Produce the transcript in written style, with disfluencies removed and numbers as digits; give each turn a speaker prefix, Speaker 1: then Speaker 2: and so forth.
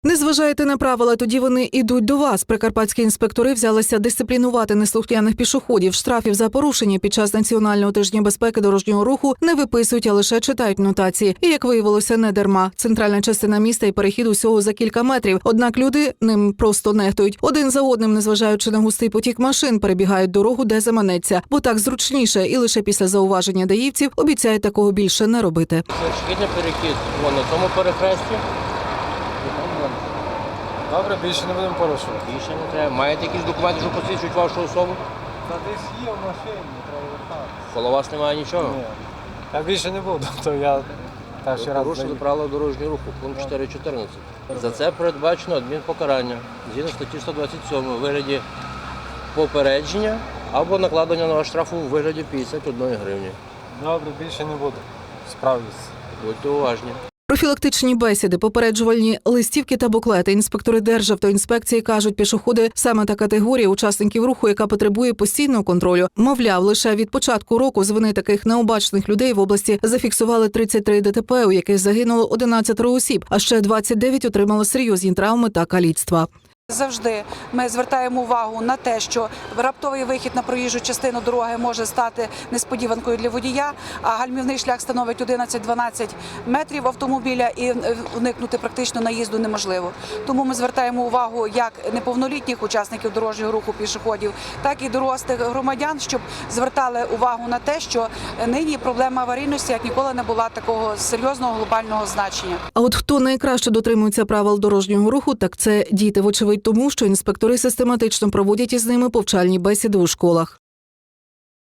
Speaker 1: Не зважаєте на правила, тоді вони йдуть до вас. Прикарпатські інспектори взялися дисциплінувати неслухняних пішоходів. Штрафів за порушення під час Національного тижня безпеки дорожнього руху не виписують, а лише читають нотації. І, як виявилося, не дарма. Центральна частина міста і перехід усього за кілька метрів. Однак люди ним просто нехтують. Один за одним, незважаючи на густий потік машин, перебігають дорогу, де заманеться. Бо так зручніше. І лише після зауваження даївців обіцяють такого більше не робити.
Speaker 2: Шкідний перехід на тому перехресті.
Speaker 3: Добре, більше не будемо порушувати.
Speaker 2: Більше не треба. Маєте якісь документи, що посвідчують вашу особу?
Speaker 3: Та десь є в машині, треба вертатися.
Speaker 2: Коло вас немає нічого?
Speaker 3: Ні. Я більше не буду, то я перший раз
Speaker 2: Порушили
Speaker 3: заїхав.
Speaker 2: правила дорожнього руху, пункт 4.14. За це передбачено адмінпокарання згідно статті 127 у вигляді попередження або накладення на вас штрафу у вигляді 51 гривні.
Speaker 3: Добре, більше не буду. Справлюсь.
Speaker 2: Будьте уважні.
Speaker 1: Профілактичні бесіди, попереджувальні листівки та буклети. Інспектори Державтоінспекції кажуть, пішоходи – саме та категорія учасників руху, яка потребує постійного контролю. Мовляв, лише від початку року з вини таких необачних людей в області зафіксували 33 ДТП, у яких загинуло 11 осіб, а ще 29 отримали серйозні травми та каліцтва.
Speaker 4: Завжди ми звертаємо увагу на те, що раптовий вихід на проїжджу частину дороги може стати несподіванкою для водія, а гальмівний шлях становить 11-12 метрів автомобіля і уникнути практично наїзду неможливо. Тому ми звертаємо увагу як неповнолітніх учасників дорожнього руху пішоходів, так і дорослих громадян, щоб звертали увагу на те, що нині проблема аварійності як ніколи не була такого серйозного глобального значення.
Speaker 1: А от хто найкраще дотримується правил дорожнього руху, так це діти, вочевидь тому, що інспектори систематично проводять із ними повчальні бесіди у школах.